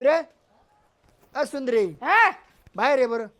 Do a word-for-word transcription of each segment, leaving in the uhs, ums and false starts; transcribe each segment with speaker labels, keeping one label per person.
Speaker 1: रे अ सुंदरी
Speaker 2: हा
Speaker 1: बाहेर आहे बरं.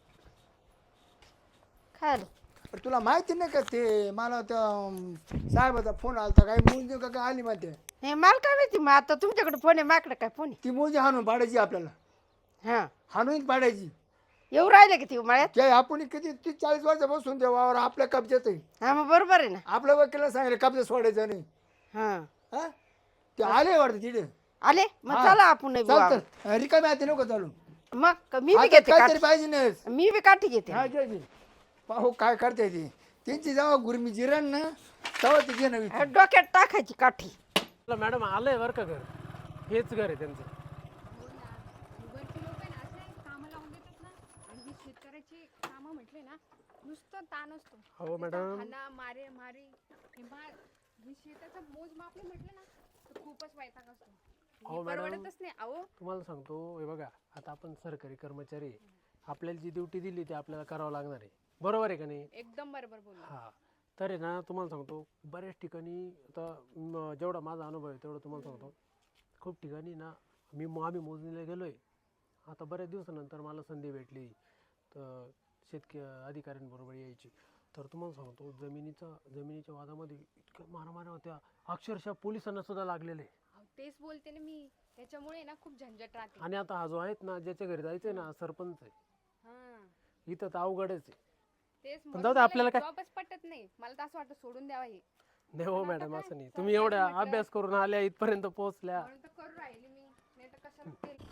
Speaker 2: खाल
Speaker 1: अरे तुला माहिती नाही का ते मला त्या साहेबाचा फोन आलता काय मुलगी का काय आली माहिती
Speaker 2: हे मला काय माहिती मग आता तुमच्याकडे फोन आहे माझ्याकडे काय फोन
Speaker 1: ती मुलगी हाणून पाडायची आपल्याला
Speaker 2: आहे हा
Speaker 1: हाणून पाडायची.
Speaker 2: येऊ राहिले की ती मळ्यात
Speaker 1: ते आपण किती तीस चाळीस वर्षापासून त्या वावर आपल्या कब्जात आहे.
Speaker 2: हा मग बरोबर आहे ना
Speaker 1: आपल्या वकिला सांगितलं कब्जा सोडायचा नाही.
Speaker 2: हा
Speaker 1: हा ते आले वाटतं तिथे.
Speaker 2: आले मग
Speaker 1: हा.
Speaker 2: चला आपण नाही
Speaker 1: चाल
Speaker 2: बुवा.
Speaker 1: तर रिकामी हाती नको चालू.
Speaker 2: मग क- मी बी
Speaker 1: आता
Speaker 2: घेते
Speaker 1: काहीतरी
Speaker 2: काठी.
Speaker 1: पाहिजे नाही.
Speaker 2: मी बी काठी घेते
Speaker 1: हा घे घे. पाहू काय करते ती त्यांची जेव्हा गुरमी जिरण ना तेव्हा ती घे नवी.
Speaker 2: डोक्यात टाकायची काठी.
Speaker 3: मॅडम आलंय बरं का घर, हेच घर आहे त्यांचं.
Speaker 4: वरचे लोक आहे ना असे कामं लावून देतात ना आणि ही शेतकऱ्याची कामं म्हटले ना नुसतं ताण असतो.
Speaker 3: हो
Speaker 4: नुसतं
Speaker 3: मॅडम.
Speaker 4: हाना मारे मारे हे मा हे शेताचं मोजमाप नाही म्हटलं ना तर खूपच वैताग असतो.
Speaker 3: हो
Speaker 4: हे
Speaker 3: मॅडम.
Speaker 4: परवडतच नाही अहो.
Speaker 3: तुम्हाला सांगतो हे बघा, आता आपण सरकारी कर्मचारी आहे. आपल्याला जी ड्युटी दिली ती आपल्याला करावं लागणार आहे, बरोबर आहे का नाही?
Speaker 4: एकदम बरोबर बोलला.
Speaker 3: हा तर आहे ना, तुम्हाला सांगतो बऱ्याच ठिकाणी आता म, जेवढा माझा अनुभव आहे तेवढं तुम्हाला सांगतो. खूप ठिकाणी ना मी आम्ही मोजणीला गेलो आहे. आता बऱ्याच दिवसानंतर मला संधी भेटली तर शेतक अधिकाऱ्यांबरोबर यायची. तर तुम्हाला सांगतो जमिनीचा जमिनीच्या वादामध्ये इतक्या मारामाऱ्या होत्या, अक्षरशः पोलिसांना सुद्धा लागलेले.
Speaker 4: अहो, तेच बोलते ना मी, त्याच्यामुळे ना खूप झंझट राहते.
Speaker 3: आणि आता हा जो आहेत ना ज्याच्या घरी जायचंय ना सरपंच आहे,
Speaker 4: हा
Speaker 3: इथं तर अवघडच आहे.
Speaker 4: तेच
Speaker 3: पण
Speaker 4: म्हणून
Speaker 3: जाऊ दे,
Speaker 4: मला
Speaker 3: आपल्याला
Speaker 4: हे
Speaker 3: काय-
Speaker 4: जॉबच पटत नाही. मला तर असं वाटतं सोडून द्यावा हे.
Speaker 3: नाही हो
Speaker 4: पण आता
Speaker 3: मॅडम,
Speaker 4: काय?
Speaker 3: असं नाही.
Speaker 4: सरकारी
Speaker 3: तुम्ही एवढ्या
Speaker 4: म्हटलं-
Speaker 3: अभ्यास करून आल्या इथपर्यंत पोहोचल्या.
Speaker 4: म्हणून तर करू राहिली मी, नाही तर कशाला केलं.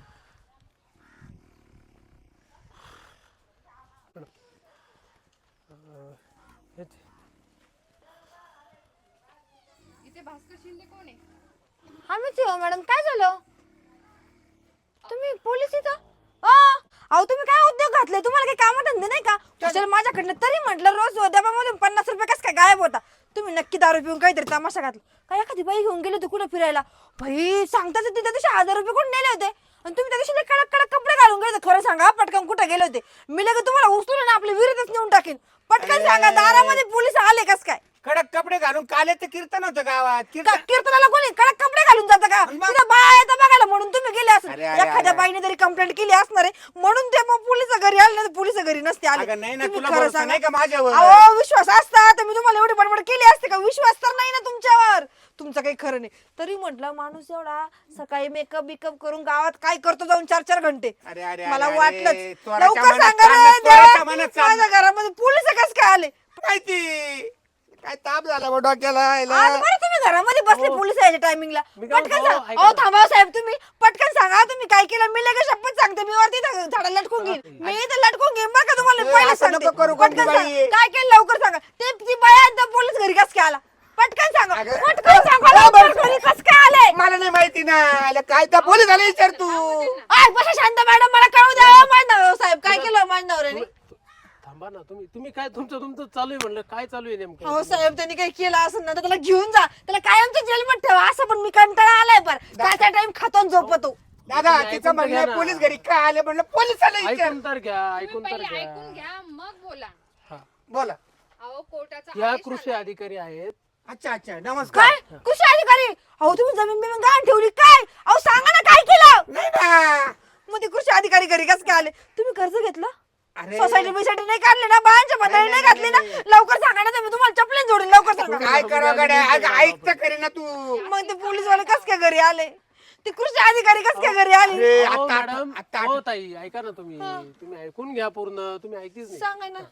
Speaker 3: अं, हेच.
Speaker 4: इथे भास्कर शिंदे कोण आहे?
Speaker 5: आम्हीच हो मॅडम. काय झालं? तुम्ही पोलीस इथं? अ, अहो तुम्ही काय उद्योग घातले? तुम्हाला काही काम धंदे नाही का? चल माझ्याकडनं तरी म्हटलं रोज उद्यापामधून पन्नास रुपये कसं काय गायब होता? तुम्ही नक्की दारू पिऊन काहीतरी तमाशा घातला. काय एखादी बाई घेऊन गेले होते कुठं फिरायला? भाई सांगताच तिथे तसे हजार रुपये कुठे नेले होते? आणि तुम्ही त्या दिवशी लय कडक कडक कपडे घालून गेले होते. खरं सांगा पटकन कुठे गेले होते? मी लगेच तुम्हाला उचलून ना आपल्या विहिरीतच नेऊन टाकेन. पटकन सांगा दारामध्ये पोलीस आले कस काय?
Speaker 6: कडक कपडे घालून काले ते कीर्तन होतं गावात.
Speaker 5: का-
Speaker 6: कीर्तन
Speaker 5: कीर्तनाला कोणी कडक कपडे घालून जातं का?
Speaker 6: मग?
Speaker 5: तिथं बाया येतं बघायला म्हणून तुम्ही गेले असं.
Speaker 6: अरे, अरे,
Speaker 5: एखाद्या
Speaker 6: अरे.
Speaker 5: बाईने तरी कंप्लेंट केली असणार आहे म्हणून ते मग पोलिस घरी आले नाही पोलिस घरी नसते आले.
Speaker 6: अगं नाही ना,
Speaker 5: तुम्ही
Speaker 6: तुला
Speaker 5: खरं
Speaker 6: भरोसा
Speaker 5: सांगा.
Speaker 6: नाही का माझ्यावर?
Speaker 5: अहो विश्वास असता तर मी तुम्हाला एवढी बडबड केली असते का? विश्वास तर नाही ना तुमच्यावर. तुमचं काही खरं नाही. तरी म्हटलं माणूस एवढा सकाळी मेकअप बिकअप करून गावात काय करतो जाऊन चार चार घंटे.
Speaker 6: अरे अरे
Speaker 5: मला
Speaker 6: अरे,
Speaker 5: वाटलंच.
Speaker 6: अरे, त्वराच्या
Speaker 5: लवकर
Speaker 6: मनात
Speaker 5: सांगा
Speaker 6: चाललं,
Speaker 5: रे
Speaker 6: त्वराच्या
Speaker 5: देवा,
Speaker 6: मनात
Speaker 5: माझ्या
Speaker 6: चाललं.
Speaker 5: घरामध्ये पोलिस कसं काय आले?
Speaker 6: माहिती काय ताप झाला बा डोक्याला
Speaker 5: आज
Speaker 6: यायला.
Speaker 5: बरं तुम्ही घरामध्ये बसले पोलीस यायच्या टायमिंगला.
Speaker 3: मी काय
Speaker 5: पटकन
Speaker 3: म्हणतो,
Speaker 5: सांगा.
Speaker 3: ऐका
Speaker 5: अहो
Speaker 3: ना.
Speaker 5: थांबा साहेब तुम्ही पटकन सांगा तुम्ही काय केलं. मी लगेच शपथ सांगते मी वरती इथं झाडाला लटकून घेईन. मी इथं लटकून घेईन बरं का तुम्हाला
Speaker 6: ए,
Speaker 5: पहिले
Speaker 6: असं
Speaker 5: सांगते.
Speaker 6: नको करू,
Speaker 5: पटकन
Speaker 6: कोणती
Speaker 5: सांगा.
Speaker 6: बाई?
Speaker 5: काय केलं लवकर सांगा. ते ती बाया आणि तो पोलीस घरी कस काय आला? पटकन सांगा.
Speaker 6: अगं,
Speaker 5: पटकन सांगा लवकर घरी कस काय आले?
Speaker 6: मला नाही माहिती ना याला काय त्या पोलीस झाले विचार तू.
Speaker 5: आय बसा शांत मॅडम मला कळू द्या. हो, माझ्या नवऱ्यावर साहेब काय केलं माझ्या नवऱ्याने?
Speaker 3: थांबा ना, तुम्ही तुम्ही काय तुमचं तुमचं चालू आहे म्हणलं, काय चालू आहे नेमकं?
Speaker 5: हो साहेब त्यांनी काही केलं असं ना तर त्याला घेऊन जा. त्याला कायमच्या जेलमध्ये ठेवा. असं पण मी कंटाळा आलाय पर काय त्या टाइम खातो आणि झोपतो.
Speaker 6: दादा
Speaker 3: तुम्ही
Speaker 6: तिचं
Speaker 3: ऐकून तर घ्या
Speaker 6: म्हणणं
Speaker 3: ना.
Speaker 6: पोलीस घरी काय आले म्हणलं पोलीस आले विचार.
Speaker 3: ऐकून तर घ्या,
Speaker 4: तुम्ही
Speaker 3: ऐकून तर
Speaker 4: पहिले ऐकून
Speaker 3: घ्या.
Speaker 4: घ्या मग बोला.
Speaker 3: हा.
Speaker 6: बोला.
Speaker 4: अहो कोर्टाचा
Speaker 3: या
Speaker 4: आदेश
Speaker 3: कृषी
Speaker 4: आलाय.
Speaker 3: अधिकारी आहेत.
Speaker 6: अच्छा अच्छा नमस्कार.
Speaker 5: काय कृषी अधिकारी? अहो तुम्ही जमीन बिमीन गहाण ठेवली काय? अहो सांगा ना काय केलं?
Speaker 6: नाही ना.
Speaker 5: मग ते कृषी अधिकारी घरी कसं काय आले? तुम्ही कर्ज घेतलं?
Speaker 6: अरे
Speaker 5: सोसायटी बिसायटी नाही काढली ना? बायांच्या बदली नाही घातली ना? लवकर सांगा ना तुम्ही तुम्हाला चपलीन जोडून लवकर सांगा.
Speaker 6: काय करा गड्या अगं ऐक तर करे ना तू.
Speaker 5: मग ते पोलीस वाले कस काय घरी आले? ते कृषी अधिकारी कस काय घरी आले?
Speaker 6: अरे
Speaker 3: हो
Speaker 6: आता
Speaker 3: मॅडम,
Speaker 6: आता
Speaker 3: हो ताई, ऐका ना तुम्ही तुम्ही ऐकून घ्या पूर्ण. तुम्ही ऐकतीच नाही.
Speaker 5: सांगा ना.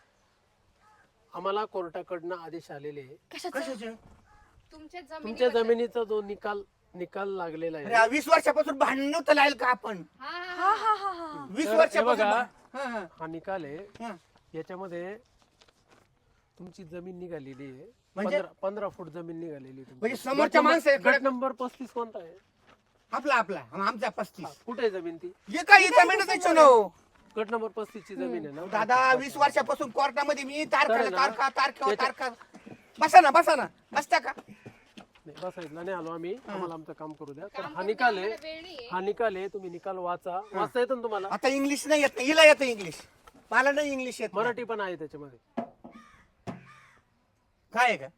Speaker 3: आम्हाला कोर्टाकडनं आदेश आलेले आहे.
Speaker 5: कशाचं?
Speaker 6: कशाचं?
Speaker 4: तुमच्या
Speaker 3: तुमच्या
Speaker 4: जमिनी
Speaker 3: जमिनीचा जो निकाल निकाल लागलेला आहे.
Speaker 6: अरे वीस वर्षापासून भांडण नव्हतं लागेल का आपण?
Speaker 4: हा
Speaker 5: हा हा हा हा.
Speaker 6: वीस
Speaker 3: तर हे
Speaker 6: वर्षापासून
Speaker 3: बघा,
Speaker 6: भां- हा, हा,
Speaker 3: हा निकाल आहे.
Speaker 6: हा.
Speaker 3: याच्यामध्ये तुमची जमीन निघालेली आहे.
Speaker 6: म्हणजे?
Speaker 3: पंधरा पंधरा फूट जमीन निघालेली आहे तुमची.
Speaker 6: म्हणजे समोरच्या
Speaker 3: गट नंबर-
Speaker 6: माणसाकडे-
Speaker 3: गट नंबर पस्तीस कोणता आहे?
Speaker 6: आपला आपला आमचा पस्तीस.
Speaker 3: हा, कुठे आहे जमीन ती?
Speaker 6: हे काय इथं मिळत नाही चुनो.
Speaker 3: गट नंबर पस्तीस ची जमीन आहे ना?
Speaker 6: दादा वीस वर्षापासून कोर्टामध्ये मी तारखा
Speaker 3: चालेल ना?
Speaker 6: तारखा तारखा
Speaker 3: याच्या-
Speaker 6: तारखा. बसा ना बसा ना बसता का?
Speaker 3: नाही, बसायला नाही आलो आम्ही. आम्हाला आमचं काम करू द्या. तर
Speaker 4: काम
Speaker 3: हा
Speaker 4: करू
Speaker 3: निकाल
Speaker 4: द्या,
Speaker 3: आहे.
Speaker 4: आम्हाला वेळ नाहीये.
Speaker 3: हा निकाल आहे. तुम्ही निकाल वाचा. वाचता येतं ना तुम्हाला?
Speaker 6: आता इंग्लिश नाही येत नाही. हिला येतं इंग्लिश. मला नाही इंग्लिश येत.
Speaker 3: मराठी पण आहे त्याच्यामध्ये.
Speaker 6: काय आहे का?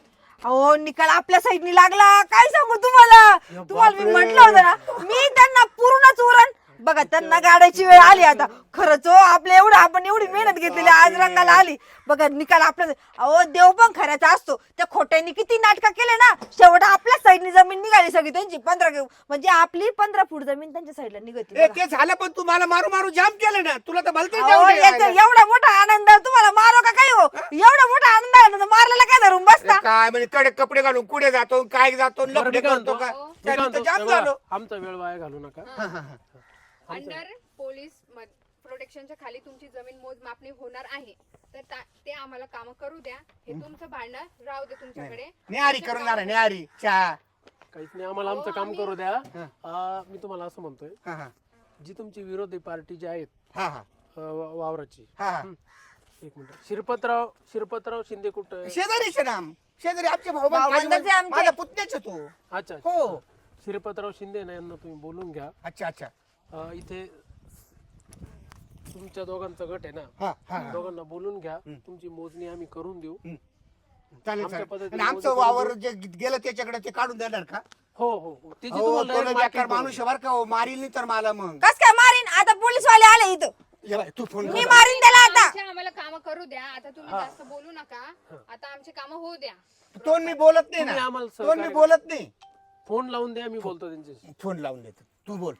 Speaker 5: अहो निकाल आपल्या साईडनी लागला. काय सांगू तुम्हाला? तुम्हाला मी
Speaker 3: बापरे.
Speaker 5: म्हटलं होतं ना मी त्यांना पूर्णच उरण. बघा त्यांना गाड्याची वेळ आली आता. खरंच हो आपलं एवढं आपण एवढी मेहनत घेतलेली आज रंगाला आली. बघा निकाल आपला. अहो देव पण खऱ्याचा असतो. त्या खोट्यांनी किती नाटकं केले ना, शेवट आपल्या साईडनी जमीन निघाली सगळी त्यांची. पंधरा म्हणजे आपली पंधरा फूट जमीन त्यांच्या साईडला निघते.
Speaker 6: ए, ते झालं पण तू मला मारू मारू जाम केलं ना. तुला तर भलतंच
Speaker 5: अहो,
Speaker 6: जाऊ दे.
Speaker 5: याचा एवढा मोठा आनंद तुम्हाला मारो का काय हो? एवढा मोठा आनंद आहे ना, मारलेला काय धरून बसता?
Speaker 6: अरे काय म्हणजे कडे कपडे घालून कुठे जातो काय जातो
Speaker 3: बरं,
Speaker 6: लपडे
Speaker 3: मी काय
Speaker 6: करतो का
Speaker 3: म्हणतो? मी
Speaker 6: त्याने
Speaker 3: काय
Speaker 6: तर
Speaker 3: म्हणतो,
Speaker 6: जाम
Speaker 3: हे बघा,
Speaker 6: झालो.
Speaker 3: आमचा वेळ वाया घालू नका.
Speaker 4: अंडर पोलीस प्रोटेक्शनच्या खाली तुमची जमीन मोजमापणी होणार आहे, तर ता- ते आम्हाला काम करू द्या. हे तुमचं भांडण राहू दे तुमच्याकडे.
Speaker 6: न्यारी करून जाणार न्यारी चहा.
Speaker 3: काहीच नाही, आम्हाला आमचं काम करू द्या. आ, मी तुम्हाला असं म्हणतोय,
Speaker 6: हा हा
Speaker 3: जी तुमची विरोधी पार्टी जी आहेत
Speaker 6: हा हा
Speaker 3: अ, वा- वावराची,
Speaker 6: हा हा
Speaker 3: एक मिनिट, शिरपतराव शिरपतराव शिंदे कुठं?
Speaker 6: शेजारी शेराम शेजारी आमचे भाऊ
Speaker 5: भावबंदाचे आमचे.
Speaker 6: माझा पुतण्याच तो.
Speaker 3: अच्छा अच्छा.
Speaker 6: हो
Speaker 3: शिरपतराव शिंदे ना यांना तुम्ही बोलून घ्या.
Speaker 6: अच्छा अच्छा
Speaker 3: अ, इथे तुमच्या दोघांचा गट आहे ना,
Speaker 6: हा हा
Speaker 3: दोघांना बोलून घ्या. तुमची मोजणी आम्ही करून देऊ.
Speaker 6: चालेल
Speaker 3: आमच्या
Speaker 6: चालेल.
Speaker 3: पद्धतीने
Speaker 6: आणि आमचं
Speaker 3: मोजणी
Speaker 6: वावर जे गेलं त्याच्याकडे ते काढून देणार का?
Speaker 3: हो हो हो. त्याची
Speaker 6: हो
Speaker 3: तुम्हाला
Speaker 6: तो
Speaker 3: direct
Speaker 6: बेकार
Speaker 3: marking
Speaker 6: माणूस
Speaker 3: करू.
Speaker 6: आहे बरं का हो. मारील नाही तर मला मग
Speaker 5: कस काय मारीन? आता पोलीस वाले आले इथं.
Speaker 6: ये बाय, तू फोन
Speaker 5: मी मारीन त्याला आता.
Speaker 4: आमचे आम्हाला काम करू द्या. आता तुम्ही जास्त बोलू नका. आता आमची कामं होऊ द्या.
Speaker 6: तो मी बोलत नाही
Speaker 3: तुम्ही
Speaker 6: ना.
Speaker 3: आम्हाला
Speaker 6: तो मी
Speaker 3: सहकार्य
Speaker 6: बोलत नाही.
Speaker 3: फोन लावून द्या, मी बोलतो त्यांच्याशी.
Speaker 6: फोन लावून देतो तू बोल.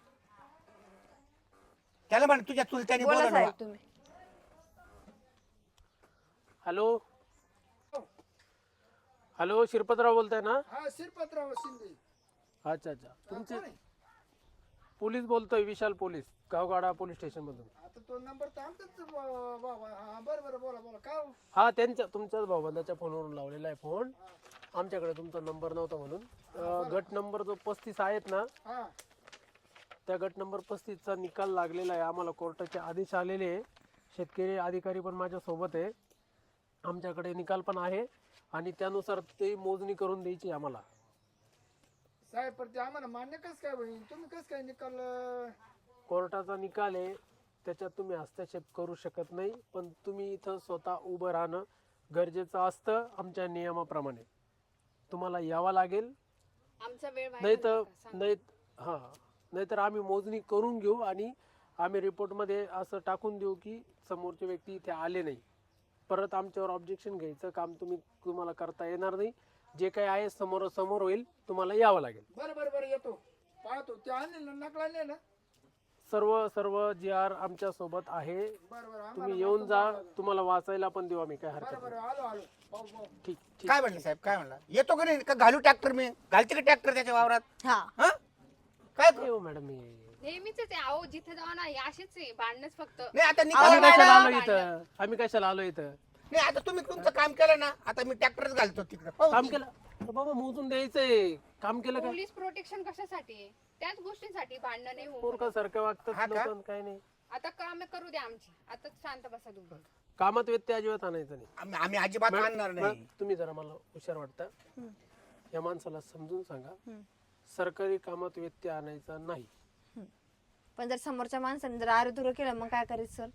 Speaker 6: त्याला म्हण तुझ्या चुलत्याने
Speaker 5: बोला
Speaker 6: बोला
Speaker 5: साहेब तुम्ही.
Speaker 3: हॅलो हॅलो, शिरपतराव बोलताय ना?
Speaker 1: हा शिरपतराव शिंदे.
Speaker 3: अच्छा अच्छा. तुमचे पोलीस बोलतोय, Vishal police, Gavgada police station मधून.
Speaker 1: आता तो नंबर तर आमचाच बाबा. हा बरं बरं बोला बोला काय हो?
Speaker 3: हा, त्यांच्या तुमच्याच भाऊबंदाच्या फोनवरून लावलेला आहे फोन. आमच्याकडे तुमचा नंबर नव्हता म्हणून. अं, गट नंबर जो पस्तीस आहेत ना,
Speaker 1: हा
Speaker 3: त्या गट नंबर पस्तीसचा निकाल लागलेला आहे. आम्हाला कोर्टाचे आदेश आलेले आहे. शेतकरी अधिकारी पण माझ्या सोबत आहे. आमच्याकडे निकाल पण आहे आणि त्यानुसार ते मोजणी करून द्यायची आम्हाला.
Speaker 1: साहेब पण ते आम्हाला मान्य कस काय होईल? तुम्ही कस काय निकाल अं,
Speaker 3: कोर्टाचा निकाल आहे, त्याच्यात तुम्ही हस्तक्षेप करू शकत नाही. पण तुम्ही इथं स्वतः उभं राहणं गरजेचं असतं आमच्या नियमाप्रमाणे. तुम्हाला यावं लागेल,
Speaker 4: आमचा वेळ वाया
Speaker 3: नाही
Speaker 4: घालू
Speaker 3: तर
Speaker 4: नका. सांगा.
Speaker 3: नाही हां नाहीतर आम्ही मोजणी करून घेऊ आणि आम्ही रिपोर्टमध्ये असं टाकून देऊ की समोरचे व्यक्ती इथे आले नाही. परत आमच्यावर ऑब्जेक्शन घ्यायचं काम तुम्ही तुम्हाला करता येणार नाही. जे काही आहे समोर समोर होईल, तुम्हाला यावं लागेल.
Speaker 1: बरं बरं बरं येतो पाहतो. ते आणले ना नकला आणले ना.
Speaker 3: सर्व सर्व जी आर आमच्या सोबत आहे.
Speaker 1: बरं बरं आम्हाला
Speaker 3: तुम्ही येऊन जा, तुम्हाला वाचायला पण देऊ आम्ही, काय हरकत
Speaker 1: बरं
Speaker 3: नाही.
Speaker 1: बरं आलो आलो पाहू पाहू.
Speaker 3: ठीक ठीक.
Speaker 6: काय म्हणले साहेब काय म्हणला? येतो का नाही का घालू ट्रॅक्टर मी? घालते का ट्रॅक्टर त्याच्या वावरात?
Speaker 5: हा
Speaker 6: हा काय करू?
Speaker 3: येऊ मॅडम मी.
Speaker 4: नेहमीच आहे ते. अहो जिथे जाऊ ना हे असेच आहे भांडणच फक्त.
Speaker 6: नाही आता
Speaker 3: आम्ही
Speaker 6: निकाल
Speaker 3: कशाला
Speaker 6: नाही
Speaker 3: आलो इथं? आम्ही कशाला आलो इथं?
Speaker 6: नाही, आता तुम्ही तुमचं काम केलं ना. आता मी ट्रॅक्टरच घालतो तिकडे. हो,
Speaker 3: काम केलं तर बाबा मोजून द्यायचंय. काम केलं का?
Speaker 4: पोलीस प्रोटेक्शन कशासाठी आहे? त्याच गोष्टीसाठी भांडण नाही होऊ.
Speaker 3: पोरका सारखं
Speaker 6: हा
Speaker 3: वागतात
Speaker 6: का?
Speaker 3: लोक, काय नाही.
Speaker 4: आता काम करू द्या आमची. आता शांत बसा तुम्ही.
Speaker 3: कामात व्यत्यय अजिबात आणायचं नाही.
Speaker 6: आम्ही आम्ही अजिबात आणणार
Speaker 3: मॅडम,
Speaker 6: नाही.
Speaker 3: तुम्ही जरा मला हुशार वाटता, या माणसाला समजून सांगा, सरकारी कामात व्यत्यय आणायचा नाही.
Speaker 5: पण जर समोरच्या माणसाने जर आरोधुर केलं मग काय करायचं सर?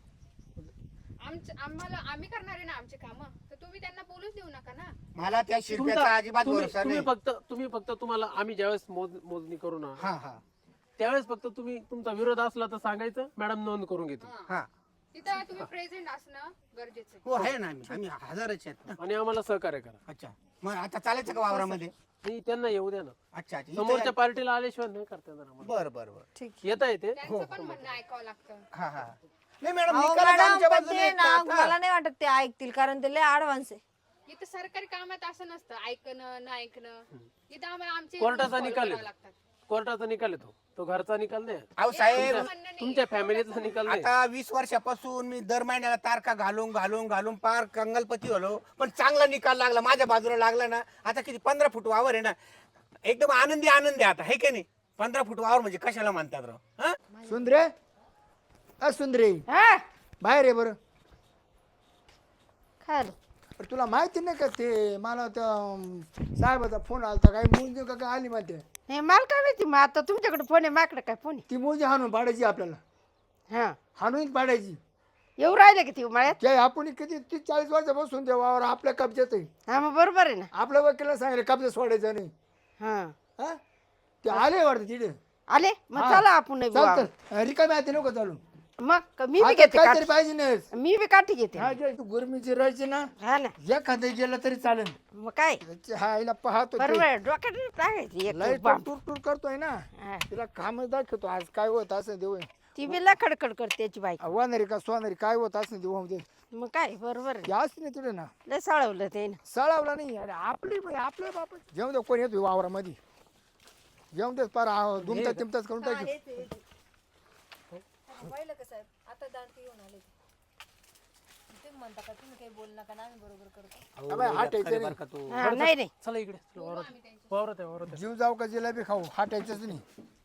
Speaker 4: आमच्या आम्हाला आम्ही करणार आहे ना आमचे काम, तर तुम्ही त्यांना बोलूच देऊ नका ना.
Speaker 6: मला त्या शिरप्याचा
Speaker 3: तुमचा-
Speaker 6: अजिबात
Speaker 3: तुम्ही
Speaker 6: भरोसा
Speaker 3: तुम्ही
Speaker 6: नाही.
Speaker 3: फक्त तुम्ही फक्त तुम्हाला आम्ही ज्यावेळेस मोज मोजणी करू ना,
Speaker 6: हा हा
Speaker 3: त्यावेळेस फक्त तुम्ही तुमचा विरोध असला तर सांगायचं, मॅडम नोंद करून घेते.
Speaker 6: हा
Speaker 4: तिथं तुम्ही प्रेझेंट असणं गरजेचं आहे.
Speaker 6: हो आहे ना. आम्ही आम्ही हजाराचे आहेत ना.
Speaker 3: आणि आम्हाला सहकार्य करा.
Speaker 6: अच्छा मग आता चालायचं का वावरामध्ये?
Speaker 3: नाही, त्यांना येऊ द्या ना.
Speaker 6: अच्छा अच्छा
Speaker 3: समोरच्या पार्टीला आल्याशिवाय नाही करता येणार आम्हाला.
Speaker 6: बर बर बर
Speaker 5: ठीक.
Speaker 3: येता येते.
Speaker 4: त्यांचं पण म्हणणं ऐकावं लागतं.
Speaker 6: हा हा नाही मॅडम
Speaker 5: अहो,
Speaker 6: निकालात
Speaker 5: मॅडम,
Speaker 6: आमच्या
Speaker 5: पण
Speaker 6: बाजूने
Speaker 5: ते
Speaker 6: आहेत
Speaker 5: ना
Speaker 6: का आता?
Speaker 5: मला नाही वाटत ते ऐकतील कारण ते लय ऍडव्हान्स आहे.
Speaker 4: इथं सरकारी कामात असं नसतं ऐकणं न ऐकणं. इथं आम्हाला आमचे
Speaker 3: कोर्टाचा
Speaker 4: rules follow
Speaker 3: निकाल
Speaker 4: करावे
Speaker 3: आहे.
Speaker 4: लागतात.
Speaker 3: कोर्टाचा निकाल येतो, तो घरचा निकाल नाही.
Speaker 6: अहो साहेब
Speaker 4: म्हणणं नाही.
Speaker 3: तुमच्या फॅमिलीचा निकाल नाही.
Speaker 6: आता वीस वर्षापासून मी दर महिन्याला तारखा घालून घालून घालून पार कंगलपती झालो, पण चांगला निकाल लागला माझ्या बाजूला लागला ना. आता किती पंधरा फूट वावर आहे ना, एकदम आनंदी आनंदी आता हे की नाही. पंधरा फूट वावर म्हणजे कशाला म्हणतात राव? हा?
Speaker 1: सुंदरे अ सुंदरे
Speaker 2: हा
Speaker 1: बाहेर आहे बरं.
Speaker 2: काय आलं?
Speaker 1: पण तुला माहिती नाही का ते मला त्या अं, साहेबाचा फोन आलता काय मुलगी का काय आली माहिती
Speaker 2: नाही मला काय माहिती. मग आता तुमच्याकडे फोन आहे, माझ्याकडे काय फोन
Speaker 1: ती मुलगी हाणून पाडायची आपल्याला.
Speaker 2: आहे? हा
Speaker 1: हाणून पाडायची.
Speaker 2: येऊ राहिले की ती मळ्यात?
Speaker 1: ते आपण किती तीस चाळीस वर्षापासून त्या वावर आपल्या कब्जात आहे.
Speaker 2: हा मग बरोबर आहे ना.
Speaker 1: आपल्या वकिला सांगितलं कब्जा सोडायचा नाही.
Speaker 2: हा
Speaker 1: हा ते आले वाटतं तिथे.
Speaker 2: आले मग
Speaker 1: हा.
Speaker 2: चला आपण बी
Speaker 1: चल
Speaker 2: वावर.
Speaker 1: चल रिकामी आहे नको चालू
Speaker 2: मग क- मी बी
Speaker 1: आता
Speaker 2: घेते
Speaker 1: काहीतरी
Speaker 2: काठी.
Speaker 1: पाहिजे ना
Speaker 2: मी बी काठी घेते
Speaker 1: हा जे तू गुरमीची राहायची ना
Speaker 2: हा ना
Speaker 1: एखादं गेलं तरी चालेल
Speaker 2: मग काय
Speaker 1: हा हिला पाहतो ते.
Speaker 2: बरोबर डोक्यात टाकायची एक
Speaker 1: लय
Speaker 2: बाम.
Speaker 1: टूर टूर करतोय ना
Speaker 2: हा.
Speaker 1: तिला काम दाखवतो आज काय होत असं देऊ
Speaker 2: ती बी लखडखड करते त्याची बाईक
Speaker 1: वानरी का सोनारी काय होत असं देऊ दे
Speaker 2: मग काय बरोबर आहे.
Speaker 1: याच नाही तुला ना
Speaker 2: लय सळवलं ते ना
Speaker 1: सळावला नाही अरे आपली बाई, आपल्या बाप जेवण दे कोण येतो वावरामध्ये जेवण देत पार दुमता तिमताच करून टाकी
Speaker 5: पाहिलं का साहेब आता दांती येऊन आले तुम्ही म्हणता का तुम्ही काही बोल नका ना आम्ही बरोबर करतो
Speaker 1: अबे, हाटायचं नाही.
Speaker 6: का तू
Speaker 2: हा, नाही नाही
Speaker 3: चला इकडे चला, वावरात वावरात आहे वावरात आहे.
Speaker 1: जीव जाऊ का जिलेबी खाऊ हाटायचंच नाही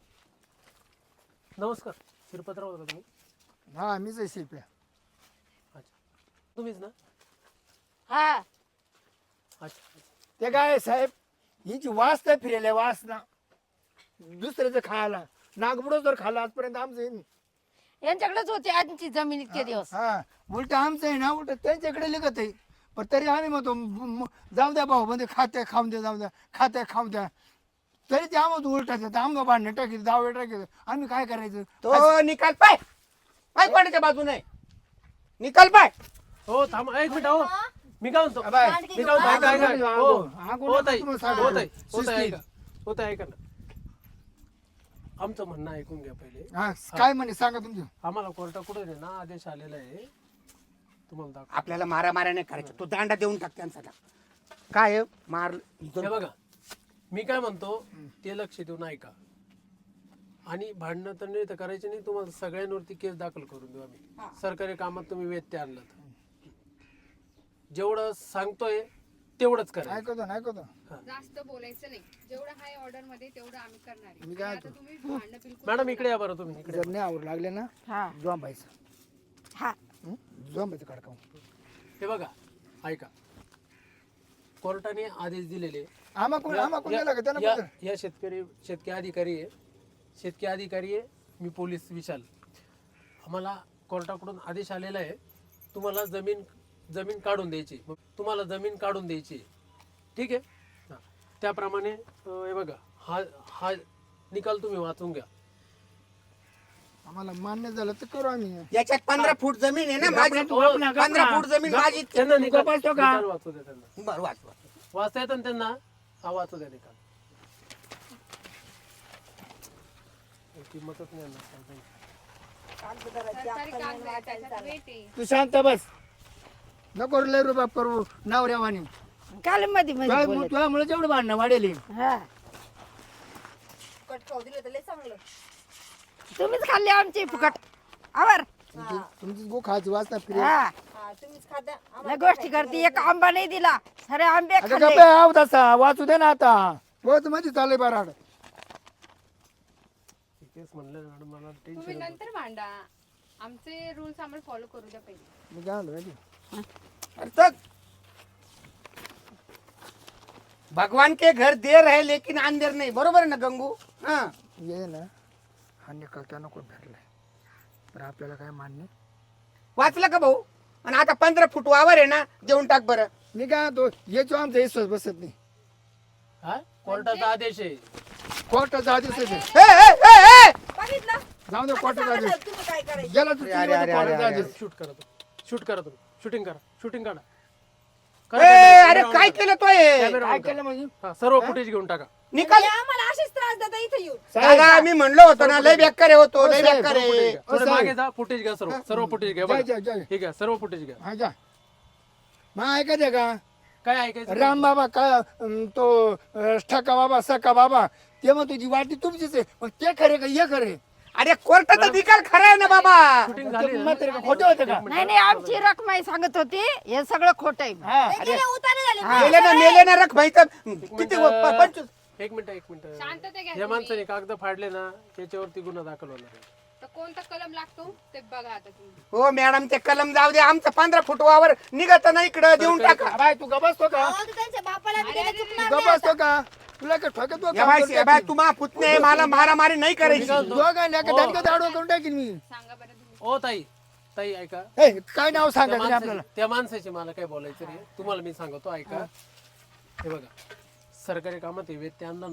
Speaker 3: नमस्कार शिरपतराव होता तुम्ही
Speaker 1: हा मीच आहे शिल्प्या
Speaker 3: अच्छा तुम्हीच ना
Speaker 2: हा
Speaker 3: अच्छा
Speaker 1: ते काय आहे साहेब हिची वास नाही फिरेल वास ना दुसऱ्याचं खायला नागपुडं जर खाल्लं आजपर्यंत आमचं आहे नाही.
Speaker 2: यांच्याकडेच होती आजची जमीन इतके दिवस
Speaker 1: हा उलट आमचं आहे ना उलट त्यांच्याकडे लिखत आहे पण तरी आम्ही म्हणतो म- म- जाऊ द्या भाऊ म्हणजे खाते खाऊन द्या जाऊ द्या खाते खाऊन द्या तरी ते आम्हाला उलटायचं आम्हाला भांडणं टाकीत दावे टाकीत आम्ही काय करायचं
Speaker 6: तो निकाल पाय पाय कोणाच्या बाजूने निकाल पाय
Speaker 3: हो थांबा एक मिनिट हो मी काय म्हणतो
Speaker 1: अबे,
Speaker 3: मी काय म्हणतो ऐका, ऐका. हो
Speaker 1: आगो
Speaker 3: हो
Speaker 1: नका
Speaker 3: ताई
Speaker 1: तुम्हाला
Speaker 3: हो
Speaker 1: सांगायला.
Speaker 3: ताई हो ताई
Speaker 1: शिस्तीत.
Speaker 3: ऐका हो ताई ऐका ना आमचं म्हणणं ऐकून घ्या पहिले
Speaker 1: हा काय म्हणे सांगा तुमचं
Speaker 3: आम्हाला कोर्टाकडून आहे ना आदेश आलेला आहे तुम्हाला दाखव
Speaker 6: आपल्याला मारा मारा नाही करायचं तो दांडा देऊन टाक त्यांचा काय आहे? मार
Speaker 3: हे बघा मी काय म्हणतो ते लक्ष देऊन ऐका आणि भांडणं तर नाही तर करायचे नाही तुम्हाला सगळ्यांवरती केस दाखल करून देऊ आम्ही सरकारी कामात तुम्ही व्यत्यय आणला तर जेवढं सांगतोय तेवढंच करा
Speaker 1: ऐकतो ना ऐकतो
Speaker 4: जास्त बोलायचं नाही जेवढं हाय ऑर्डर मध्ये तेवढं आम्ही करणार आहे
Speaker 1: मी काय
Speaker 4: आणि आता तुम्ही भांडणं बिलकुल
Speaker 3: मॅडम इकडे या बरं तुम्ही इकडे
Speaker 1: जर नाही आवड लागले ना
Speaker 2: हा
Speaker 1: जोंबायचं
Speaker 2: हा
Speaker 1: जोंबायचं कडकावून
Speaker 3: हे बघा ऐका कोर्टाने आदेश दिलेले
Speaker 1: आम्हा कोण आम्हा कोण दिला का त्यांना
Speaker 3: या
Speaker 1: पत्र?
Speaker 3: या शेतकरी शेतकरी अधिकारी आहे शेतकरी अधिकारी आहे मी पोलीस विशाल आम्हाला कोर्टाकडून आदेश आलेला आहे तुम्हाला जमीन जमीन काढून द्यायची मग तुम्हाला जमीन काढून द्यायची ठीक आहे हा. त्याप्रमाणे अं, हे बघा हा हा निकाल तुम्ही वाचून घ्या
Speaker 1: आम्हाला मान्य झालं तर करू आम्ही
Speaker 6: याच्यात पंधरा फूट जमीन आहे ना माझी
Speaker 1: गपना, गपना.
Speaker 6: पंधरा फूट जमीन माझी
Speaker 3: त्यांना निकाल
Speaker 1: बसतो का?
Speaker 3: निकाल वाचू द्या त्यांना
Speaker 6: बरं वाच वाच.
Speaker 3: वाचता येतं ना त्यांना हा वाचू द्या निकाल किंमतच नाही ना
Speaker 4: सरकारी कागद आहे, त्याच्यात वेट आहे
Speaker 1: तू शांत बस नको लय रुबाब करू नवऱ्यावानी
Speaker 2: काल मध्ये मध्ये बोलत.
Speaker 1: तुझ्यामुळे जेवढं भांडणं वाढेल
Speaker 2: हा
Speaker 5: कट खाऊ दिलं तर लय चांगलं
Speaker 2: तुम्हीच खाल्ली आमची फुकट आवर
Speaker 1: तुमची गो खायची वाचना फिरे
Speaker 2: हा
Speaker 5: हा तुम्हीच खाता
Speaker 2: लय गोष्टी करते एक आंबा नाही दिला सारे आंबे
Speaker 1: अगं
Speaker 2: खाल्ले
Speaker 1: गप्पे आव तसा वाचू दे ना आता बहुत मध्ये चालय बराड
Speaker 3: तेच म्हणलं मॅडम मला
Speaker 4: तुम्ही
Speaker 3: टेन्शन
Speaker 4: नंतर भांडा आमचे रूल्स आम्हाला फॉलो करू द्या पहिले
Speaker 1: मी काय म्हणतो माहिती?
Speaker 6: अरे चल. भगवान के घर देर है लेकिन अंधेर नहीं बरोबर आहे ना गंगू हा
Speaker 1: ये ना हा निकाल त्या नको फिरलाय तर आपल्याला काय मान्य
Speaker 6: वाचलं का भाऊ आणि आता पंधरा फूट वावर आहे ना देऊन टाक बरं
Speaker 1: मी काय म्हणतो याचो आमचा विश्वास बसत नाही
Speaker 3: हा कोर्टाचा आदेश आहे
Speaker 1: कोर्टाचा आदेश आहे.
Speaker 6: ए, ए, ए, ए!
Speaker 5: बघितलं
Speaker 1: जाऊ दे कोर्टाचा आदेश
Speaker 5: तुम्ही काय करायचं
Speaker 1: गेला तू
Speaker 6: अरे, अरे, अरे,
Speaker 1: कोर्टाचा
Speaker 6: अरे,
Speaker 1: आदेश
Speaker 3: शूट करा तुम्ही शूट करा तुम्ही शूटिंग करा शूटिंग काढा
Speaker 6: ए,
Speaker 3: करा camera
Speaker 6: अरे
Speaker 3: on
Speaker 6: काय
Speaker 3: करा.
Speaker 6: केलं तो हे?
Speaker 3: Camera
Speaker 1: काय
Speaker 3: on करा.
Speaker 1: केलं म्हणजे
Speaker 3: हा, सर्व फुटेज घेऊन टाका
Speaker 6: निकाल
Speaker 5: हे आम्हाला असेच त्रास देता इथे येऊन
Speaker 6: दादा मी म्हणलो होतो ना लय बेकार आहे होतो लय बेकार
Speaker 3: सर्व footage
Speaker 6: आहे
Speaker 3: घ्या. थोडं
Speaker 1: साहेब.
Speaker 3: मागे जा फुटेज घ्या सर्व सर्व फुटेज घ्या
Speaker 1: जा,
Speaker 3: बघा.
Speaker 1: जा, जा.
Speaker 3: ठीक आहे सर्व फुटेज घ्या
Speaker 1: हा जा मग ऐकायचं का
Speaker 3: काय ऐकायचं
Speaker 1: राम बाबा काय अं, तो अं, ठका बाबा सका बाबा ते मग तुझी वाटी तुमचीच आहे मग ते खरे का हे खरे
Speaker 6: अरे कोर्टाचा निकाल खरा आहे ना बाबा
Speaker 3: शूटिंग झाली ना?
Speaker 1: म्हातारे का खोटे होते का
Speaker 2: नाही नाही आमची रकमाई सांगत होती हे सगळं खोट आहे
Speaker 1: हा
Speaker 5: हे गेले उतारे झाले
Speaker 6: मेले ना मेले ना रख भाई किती प- पंचवीस
Speaker 3: एक मिनिट एक मिनिट
Speaker 4: शांतता घ्या
Speaker 3: या माणसाने कागद फाडले ना त्याच्यावरती गुन्हा दाखल होणार आहे
Speaker 4: तर कोणता कलम लागतो ते बघा आता तुम्ही
Speaker 6: हो मॅडम ते कलम जाऊ दे आमचं पंधरा फूट वावर निघत ना इकडं देऊन टाका
Speaker 1: बाय तू गबसतो का
Speaker 5: अहो, ते त्यांच्या बापाला बी त्याला चुकणार
Speaker 1: तू गबसतो का तुला काय ठोकतो
Speaker 6: या बाई या बाई तुम्हा पुतणे मला मारामारी नाही करायची
Speaker 1: दोघांना का धनका दाडो करून टाकीन मी
Speaker 4: सांगा बरं तुम्ही
Speaker 3: ओ ताई ताई ऐका
Speaker 1: हे काय नाव
Speaker 3: त्या
Speaker 1: सांगायचं नाही आपल्याला
Speaker 3: माणसाची त्या माणसाची मला काय बोलायचं रे तुम्हाला मी सांगतो ऐका हे बघा सरकारी कामात हे व्यत्यय आणला ना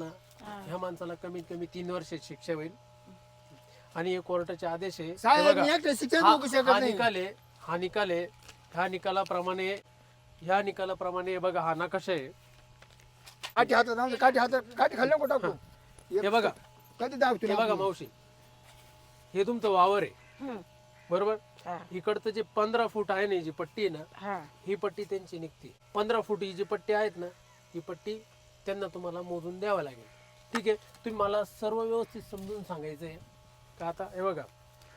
Speaker 3: ह्या माणसाला कमीत कमी तीन वर्ष शिक्षा होईल आणि हे कोर्टाचे आदेश आहे. हे
Speaker 1: साहेब
Speaker 3: बघा,
Speaker 1: मी एकटं शिक्षण
Speaker 3: हा
Speaker 1: बघू शकत
Speaker 3: हा
Speaker 1: नाही.
Speaker 3: निकाल आहे हा निकाल आहे ह्या निकालाप्रमाणे ह्या निकालाप्रमाणे हे बघा हा नकाशा आहे.
Speaker 1: काठी हातात आणून काठी हातात काठी खाल्लं कुठं टाकू
Speaker 3: हे बघा
Speaker 1: कधी दाखवतो
Speaker 3: हे बघा मावशी हे तुमचं वावर आहे
Speaker 2: हम्म.
Speaker 3: बरोबर.
Speaker 2: हा.
Speaker 3: इकडचं जे पंधरा फूट आहे ना जी पट्टी आहे ना
Speaker 2: हा.
Speaker 3: ही पट्टी त्यांची निघते. पंधरा फूट ही जी पट्टी आहेत ना ही पट्टी त्यांना तुम्हाला मोजून द्यावं लागेल. ठीक आहे तुम्ही मला सर्व व्यवस्थित समजून सांगायचं आहे का. आता हे बघा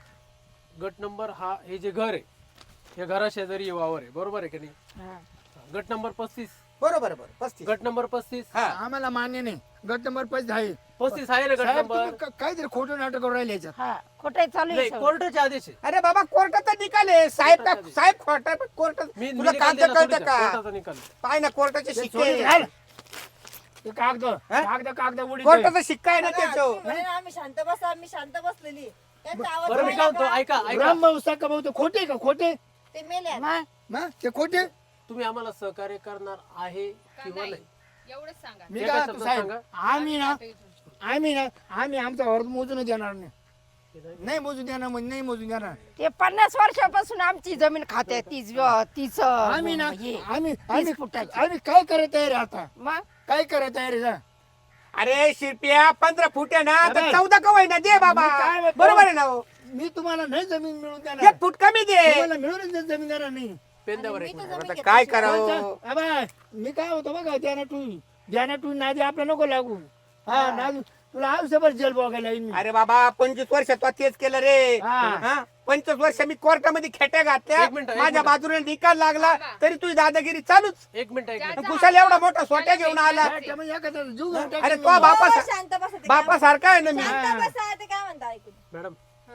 Speaker 3: गट नंबर हा हे जे घर आहे या घरा शेजारी हे वावर आहे बरोबर आहे की नाही.
Speaker 2: हा.
Speaker 3: गट नंबर पस्तीस
Speaker 6: बरोबर बरोबर पस्तीस
Speaker 3: गट नंबर पस्तीस
Speaker 6: हा
Speaker 1: आम्हाला मान्य नाही गट नंबर पैसे आहे
Speaker 3: पस्तीस आहे ना गट
Speaker 1: साहेब
Speaker 3: नंबर.
Speaker 1: तुम्ही क- काहीतरी खोटं नाटक करून राहिले याच्यात
Speaker 2: हा खोटे चालू आहे
Speaker 3: नाही
Speaker 2: सगळं.
Speaker 3: कोर्टाचे आदेश आहे.
Speaker 6: अरे बाबा कोर्टाचा निकाल आहे साहेब का
Speaker 3: कोर्टाचा
Speaker 6: साहेब खोटा कोर्ट
Speaker 3: मी
Speaker 6: तुला
Speaker 3: मी
Speaker 6: कागद
Speaker 3: निकाल देणार
Speaker 6: कळतं
Speaker 3: थोडीच आहे.
Speaker 6: का
Speaker 3: कोर्टाचा निकाल आहे.
Speaker 6: पाय ना कोर्टाचे
Speaker 1: ते
Speaker 6: शिक्के
Speaker 1: सोडून घाल. ते कागद कागद कागद उडी
Speaker 6: कोर्टाचा शिक्का आहे ना त्याच्यावर
Speaker 5: म्हणे ना, आम्ही शांत बसा आम्ही शांत बसलेली त्यांचा आवाज
Speaker 3: बरं मी काय म्हणतो ऐका ऐका
Speaker 1: ब्रह्मवसा कमवतो खोटे का खोटे
Speaker 5: ते मेले
Speaker 2: मग
Speaker 1: ना ते खोटे
Speaker 3: तुम्ही आम्हाला सहकार्य करणार आहे किंवा नाही
Speaker 4: एवढंच सांगा.
Speaker 1: मी
Speaker 3: एका
Speaker 1: काय
Speaker 3: शब्दात
Speaker 1: साहेब
Speaker 3: सांगा.
Speaker 1: आम्ही ना आम्ही ना आम्ही आमचा अर्ज मोजून देणार नाही नाही मोजून देणार म्हणजे नाही मोजून देणार
Speaker 2: ते पन्नास वर्षापासून आमची जमीन खाते तीच तीच
Speaker 1: आम्ही ना
Speaker 2: हे.
Speaker 1: आम्ही आम्ही
Speaker 2: फुटाची.
Speaker 1: आम्ही काय करायला तयार आहे आता
Speaker 2: मग
Speaker 1: काय करायला तयार आहे सांग?
Speaker 6: अरे शिरप्या पंधरा फूट आहे ना तर
Speaker 1: अबे.
Speaker 6: चौदा कवाय ना दे बाबा
Speaker 1: मी काय म्हणतो?
Speaker 6: बरोबर आहे ना हो?
Speaker 1: मी तुम्हाला नाही जमीन मिळून देणार
Speaker 6: एक फूट कमी दे
Speaker 1: तुम्हाला मिळूनच नाही जमीन देणार नाही
Speaker 3: पेंद्यावर एक मिनिट.
Speaker 6: आता काय करावं
Speaker 1: कोणतं? अबे, मी काय होतो बघा द्याना टू द्याना टू नादी आपला नको लागू हा नादी तुला आयुष्यभर जेल बघायला येईन मी
Speaker 6: अरे बाबा पंचवीस वर्ष तो तेच केलं रे
Speaker 1: हा.
Speaker 6: हा? पंचवीस वर्ष मी कोर्टामध्ये खेट्या घातल्या
Speaker 3: एक मिनिट, एक
Speaker 6: माझ्या
Speaker 3: मिनिट.
Speaker 6: बाजूने निकाल लागला तरी तुझी दादागिरी चालूच
Speaker 3: एक मिनिट एक मिनिट
Speaker 6: कुशाल एवढा मोठा सोट्या घेऊन आला
Speaker 1: त्याच्यामुळे एखादा जीव घेऊन टाकेन
Speaker 6: अरे
Speaker 1: मी.
Speaker 6: तो बापा
Speaker 5: हो, शांत बसा ते
Speaker 6: बापा सारखा आहे ना मी
Speaker 5: काय- शांत बसा ते काय म्हणता ऐकून
Speaker 3: मॅडम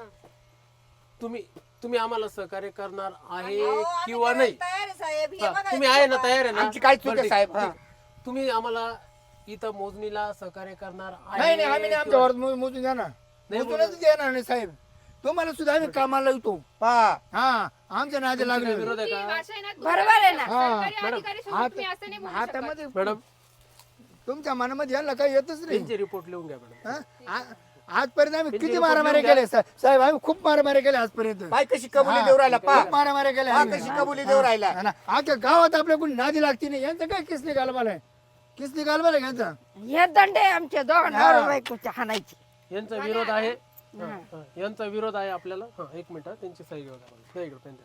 Speaker 3: तुम्ही तुम्ही आम्हाला सहकार्य करणार आहे
Speaker 5: अहो, आम्ही
Speaker 3: किंवा
Speaker 5: करायला
Speaker 3: नाही
Speaker 5: तयार आहे साहेब हे
Speaker 3: हा,
Speaker 5: बघा,
Speaker 3: तुम्ही
Speaker 5: हे
Speaker 3: आहे ना
Speaker 5: बघा.
Speaker 3: तयार आहे ना
Speaker 6: आमची काय चूक आहे
Speaker 3: बरं, ठीक.
Speaker 6: साहेब? हा.
Speaker 3: ठीक. तुम्ही आम्हाला इथं मोजणीला सहकार्य करणार आहे
Speaker 1: नाही नाही आम्ही नाही आमच्या
Speaker 3: किंवा-
Speaker 1: वर्ष मो- मोजून देणार
Speaker 3: नाही
Speaker 1: मोजूनच देणार नाही साहेब तुम्हाला सुद्धा आम्ही कामाला येतो
Speaker 6: हा.
Speaker 1: हा आमच्या नादी
Speaker 3: तुमची
Speaker 1: लागले
Speaker 3: काय विरोध आहे
Speaker 4: तुम्ही
Speaker 3: का
Speaker 4: भाषा आहे ना,
Speaker 2: बरोबर आहे ना.
Speaker 4: सरकारी
Speaker 3: मॅडम,
Speaker 4: अधिकारीसोबत तुम्ही असं नाही बोलू शकत.
Speaker 1: हातामध्ये
Speaker 3: मॅडम
Speaker 1: तुमच्या मनामध्ये यायला काही येतच नाही
Speaker 3: त्यांचे रिपोर्ट लिहून घ्या मॅडम.
Speaker 1: हा? आ- आजपर्यंत आम्ही
Speaker 3: त्यांची
Speaker 1: किती
Speaker 3: report
Speaker 1: मारामारी
Speaker 3: लिहून
Speaker 1: केले सा- साहेब आम्ही खूप मारामारी केले आजपर्यंत
Speaker 6: बाय कशी कबुली
Speaker 1: हा.
Speaker 6: देऊ राहिला पा
Speaker 1: खूप मारामारी केल्या
Speaker 6: पहा
Speaker 1: आम्ही.
Speaker 6: कशी कबुली देऊ राहिला
Speaker 1: हा ना. आता गावात आपल्या कोणी नादी लागती नाही यांचं काय किसनी गालबाला आहे किसनी गालबाला आहे यांचा
Speaker 2: हे दंड आहे आमच्या दोघांना बायकोच्या हाणायची.
Speaker 3: यांचा विरोध आहे हा, हा. यांचा विरोध आहे आपल्याला हा एक मिनिट हा, त्यांची सही घेऊ द्या मला. नाही इकडं पेन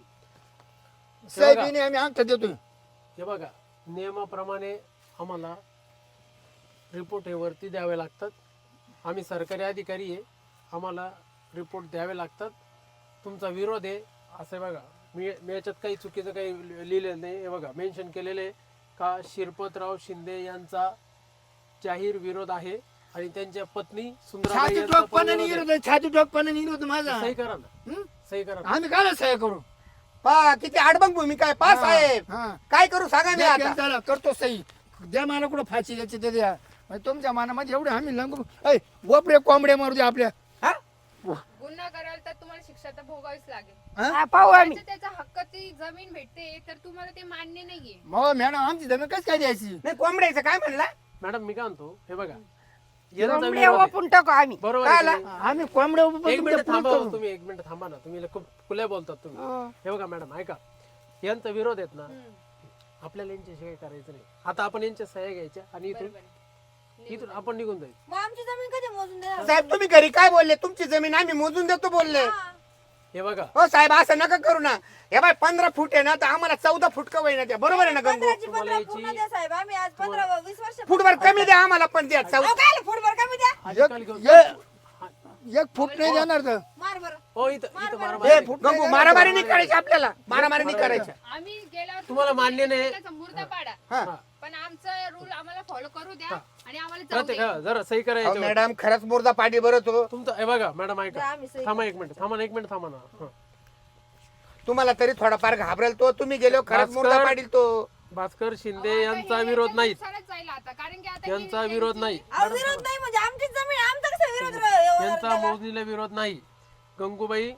Speaker 3: द्या.
Speaker 1: साहेबीने आम्ही अंगठा देतोय
Speaker 3: हे बघा नियमाप्रमाणे आम्हाला रिपोर्ट हे वरती द्यावे लागतात. आम्ही सरकारी अधिकारी आहे आम्हाला रिपोर्ट द्यावे लागतात. तुमचा विरोध आहे असं बघा मी मी याच्यात काही चुकीचं काही लिहिलेलं नाही. हे बघा मेन्शन केलेलं आहे का शिरपतराव शिंदे यांचा जाहीर विरोध आहे आणि त्यांच्या पत्नी सुंदराबाई
Speaker 1: छाती
Speaker 3: यांचा पण
Speaker 1: टोकपणाने
Speaker 3: विरोध
Speaker 1: गेलो छाती टोकपणाने गेलो माझा
Speaker 3: आहे. सही करा ना
Speaker 1: हं?
Speaker 3: सही करा ना.
Speaker 1: आम्ही काय सह्य करू
Speaker 6: पा किती आडबंग भूमिका आहे पा साहेब
Speaker 1: हा.
Speaker 6: काय करू सांगा मी
Speaker 1: द्या
Speaker 6: आता
Speaker 1: पेनचाला, करतो सही द्या मला कुठं फाशी द्यायची ते द्या म्हणजे तुमच्या मनामध्ये एवढे आम्ही लंगू ऐ वपरे कोंबड्या मारू द्या आपल्या
Speaker 6: हा?
Speaker 4: गुन्हा कराल तर तुम्हाला शिक्षा तर भोगावीच लागेल.
Speaker 1: हा?
Speaker 2: हा, पाहू आम्ही
Speaker 4: त्याच्या त्याचा हक्काची जमीन भेटते तर तुम्हाला ते मान्य नाहीये.
Speaker 1: मग मॅडम आमची जमीन कशी काय द्यायची
Speaker 6: नाही कोंबड्याचं काय म्हणला
Speaker 3: मॅडम मी काय म्हणतो हे बघा यांचा
Speaker 2: कोंबडे
Speaker 3: विरोध आहे.
Speaker 2: ओपून टाकू आम्ही.
Speaker 3: बरोबर आहे की
Speaker 6: काय
Speaker 3: नाही?
Speaker 1: आम्ही कोंबड्या उभं
Speaker 3: एक
Speaker 1: तुमच्या
Speaker 3: मिनिट थांबा
Speaker 1: पुढं
Speaker 3: हो
Speaker 1: करू.
Speaker 3: तुम्ही एक मिनिट थांबा ना तुम्ही खूप खुले बोलतात तुम्ही
Speaker 2: हं.
Speaker 3: हे बघा मॅडम ऐका यांचा विरोध आहेत ना आपल्याला यांच्याशी काही करायचं नाही. आता आपण यांच्या सह्या घ्यायच्या आणि इथून इथून आपण निघून जायचं.
Speaker 5: मग आमची जमीन कधी मोजून देणार
Speaker 6: साहेब तुम्ही घरी काय बोलले तुमची जमीन आम्ही मोजून देतो बोलले
Speaker 3: हे बघा
Speaker 6: हो साहेब असं नका करू ना हे बाय पंधरा फूट आहे ना तर आम्हाला चौदा फूट कवय ना द्या बरोबर आहे ना गंगू
Speaker 5: पंधराची
Speaker 3: तुम्हाला
Speaker 5: पंधरा
Speaker 3: याची-
Speaker 5: पूर्ण द्या साहेब आम्ही आज पंधरा वीस वर्ष
Speaker 6: फुटभर कमी द्या आम्हाला पण द्या चौदा
Speaker 5: अहो, काय फुटभर कमी द्या
Speaker 3: अधिकारी घेऊन-
Speaker 1: एक एक फूट नाही देणार तर
Speaker 5: मार बरं
Speaker 3: हो इथं इथं मारा
Speaker 6: हे गंगू मारामारी नाही करायची आपल्याला मारामारी नाही करायची
Speaker 4: आम्ही गेल्यावर
Speaker 3: तुम्हाला मान्य नाही.
Speaker 4: त्याचा मुर्दा पाडा
Speaker 6: हा.
Speaker 4: पण आमचा रूल आम्हाला फॉलो करू द्या आणि आम्हाला जाऊ
Speaker 3: प्रत्येक
Speaker 4: द्या.
Speaker 3: हा, जरा सही
Speaker 6: अहो,
Speaker 3: करायचं
Speaker 6: मॅडम खरंच मुर्दा पाडी बरं तो
Speaker 3: तुमचं हे बघा मॅडम ऐका
Speaker 5: द्या आम्ही सही
Speaker 3: थांबा एक मिनिट थांबा ना एक मिनिट थांबा ना हं.
Speaker 6: तुम्हाला तरी थोडाफार घाबरेल तो तुम्ही गेलो खरंच
Speaker 3: भास्कर-
Speaker 6: मुर्दा पाडील तो
Speaker 3: भास्कर शिंदे
Speaker 4: आता
Speaker 3: यांचा
Speaker 4: हे
Speaker 3: विरोध नाही
Speaker 4: नुकसानच जाईल आता कारण की आता
Speaker 3: यांचा
Speaker 4: हे-
Speaker 3: विरोध नाही
Speaker 5: अहो, विरोध नाही म्हणजे आमचीच जमीन आमचा कसा विरोध रा-
Speaker 3: यांचा
Speaker 5: एवढा
Speaker 3: मोजणीला विरोध नाही. गंगूबाई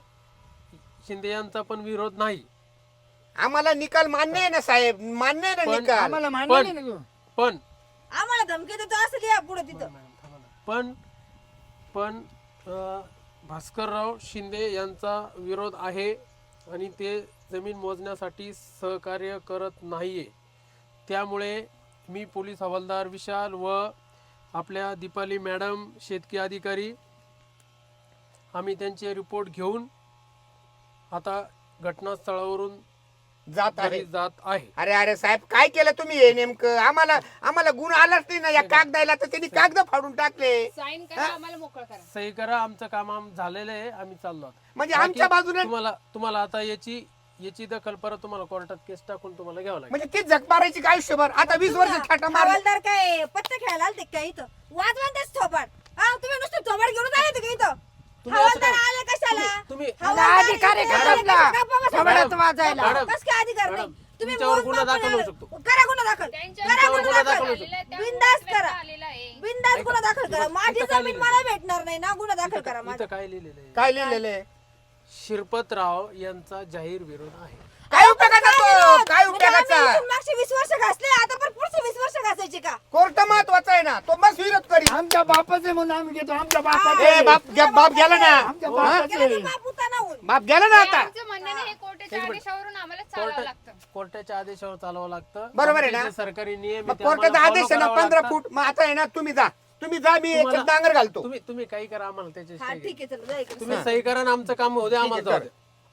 Speaker 3: शिंदे यांचा पण विरोध नाही.
Speaker 6: आम्हाला निकाल मान्य आहे ना साहेब मान्य आहे ना
Speaker 3: पण
Speaker 6: निकाल
Speaker 1: आम्हाला मान्य
Speaker 3: पण
Speaker 1: नाही ना गं.
Speaker 3: पण
Speaker 5: आम्हाला धमकी देतो असं लिहा पुढे तिथं
Speaker 3: मॅडम, थांबा. पण पण अं, भास्करराव शिंदे यांचा विरोध आहे आणि ते जमीन मोजण्यासाठी सहकार्य करत नाहीये. त्यामुळे मी पोलीस हवालदार विशाल व आपल्या दीपाली मॅडम शेतकी अधिकारी आम्ही त्यांचे रिपोर्ट घेऊन आता घटनास्थळावरून
Speaker 6: जात आहे
Speaker 3: घरी जात आहे.
Speaker 6: अरे अरे साहेब काय केलं तुम्ही हे नेमकं आम्हाला आम्हाला गुण आलाच नाही ना या कागदायला तर त्यांनी कागद फाडून टाकले
Speaker 4: साईन करा आम्हाला मोकळ करा.
Speaker 3: सही करा, आमचं काम आम झालेलं आहे, आम्ही चाललो आहोत.
Speaker 6: म्हणजे
Speaker 3: बाकी
Speaker 6: आमच्या बाजूने
Speaker 3: तुम्हाला तुम्हाला आता याची याची दखल परत तुम्हाला कोर्टात केस टाकून तुम्हाला घ्यावं लागेल.
Speaker 6: म्हणजे ती झक मारायची काय आयुष्यभर आता वीस वर्ष थाटा मार
Speaker 5: हवालदार काय पत्ते खेळायला आलते काय इथं वाजवा तेच थोबाड हा तुम्ही नुसतं थोबाड घेऊन आले का इथं
Speaker 3: तुम्ही असं
Speaker 5: हवालदार
Speaker 3: काय-
Speaker 5: आले कशाला
Speaker 3: तुम्ही-
Speaker 5: हवालदार
Speaker 2: अधिकारी
Speaker 5: इथे
Speaker 2: का
Speaker 5: आले
Speaker 2: आपला?
Speaker 5: कशाला? गप्पा बसा.
Speaker 2: थोबाडात वाजायला.
Speaker 3: मॅडम,
Speaker 5: कस काय अधिकार नाही
Speaker 3: मॅडम,
Speaker 5: तुम्ही
Speaker 3: तुमच्यावर गुन्हा
Speaker 5: मोजमाप
Speaker 3: दाखल होऊ
Speaker 5: करायला-
Speaker 3: शकतो.
Speaker 5: करा गुन्हा दाखल
Speaker 4: त्यांच्या
Speaker 5: करा
Speaker 3: तुमच्यावर
Speaker 5: गुन्हा
Speaker 3: गुन्हा
Speaker 5: दाखल
Speaker 3: दाखल होऊ
Speaker 4: आलेला आहे, त्या
Speaker 5: बिनधास्त
Speaker 4: गुन्ह्यात
Speaker 5: करा.
Speaker 4: आलेला आहे.
Speaker 5: बिनधास्त गुन्हा दाखल करा
Speaker 3: इथं-
Speaker 5: माझी
Speaker 3: इथं काय
Speaker 5: जमीन
Speaker 3: लिहिलंय?
Speaker 5: मला भेटणार नाही ना गुन्हा दाखल करा
Speaker 3: इथं
Speaker 5: माझा
Speaker 3: काय लिहिलेलं आहे?
Speaker 6: काय लिहिलेलं आहे
Speaker 3: शिरपतराव यांचा जाहीर विरोध आहे.
Speaker 6: काय उपयोगाचा तो काय उपयोगाचा
Speaker 5: मागचे वीस वर्ष घासले आता पण पुढचे वीस वर्ष घासायचे का
Speaker 6: कोर्ट महत्वाचा आहे ना तो मस्त विरोध करी
Speaker 1: आमच्या बापाचे म्हणून आम्ही घेतो आमच्या बापाचे
Speaker 6: ए बाप गे- बाप गेला ना
Speaker 1: आमच्या बापाचे
Speaker 5: गेला तर बाप उताना होऊन.
Speaker 6: बाप गेला ना
Speaker 4: हे
Speaker 6: आता
Speaker 4: आमचं म्हणणं नाही, हे कोर्टाच्या आदेशावरून आम्हाला चालावं लागतं.
Speaker 3: कोर्ट कोर्टाच्या आदेशावर चालवावं लागतं.
Speaker 6: बरोबर आहे
Speaker 3: आमचे
Speaker 6: ना?
Speaker 3: जे सरकारी नियम
Speaker 6: मग
Speaker 3: आहे ते आम्हाला
Speaker 6: कोर्टाचा
Speaker 3: follow
Speaker 6: आदेश आहे ना
Speaker 3: करावं
Speaker 6: पंधरा
Speaker 3: लागतं.
Speaker 6: फूट मग आता आहे ना तुम्ही जा तुम्ही जा मी एक
Speaker 3: तुम्हाला-
Speaker 6: डांगर घालतो
Speaker 3: तुम्ही तुम्ही काही करा आम्हाला त्याचे
Speaker 5: हा ठीक आहे चल जा इकडे.
Speaker 3: तुम्ही सही करा आणि आमचं काम होऊ द्या, आम्हाला
Speaker 6: ठीक आहे,
Speaker 3: जाऊ द्या.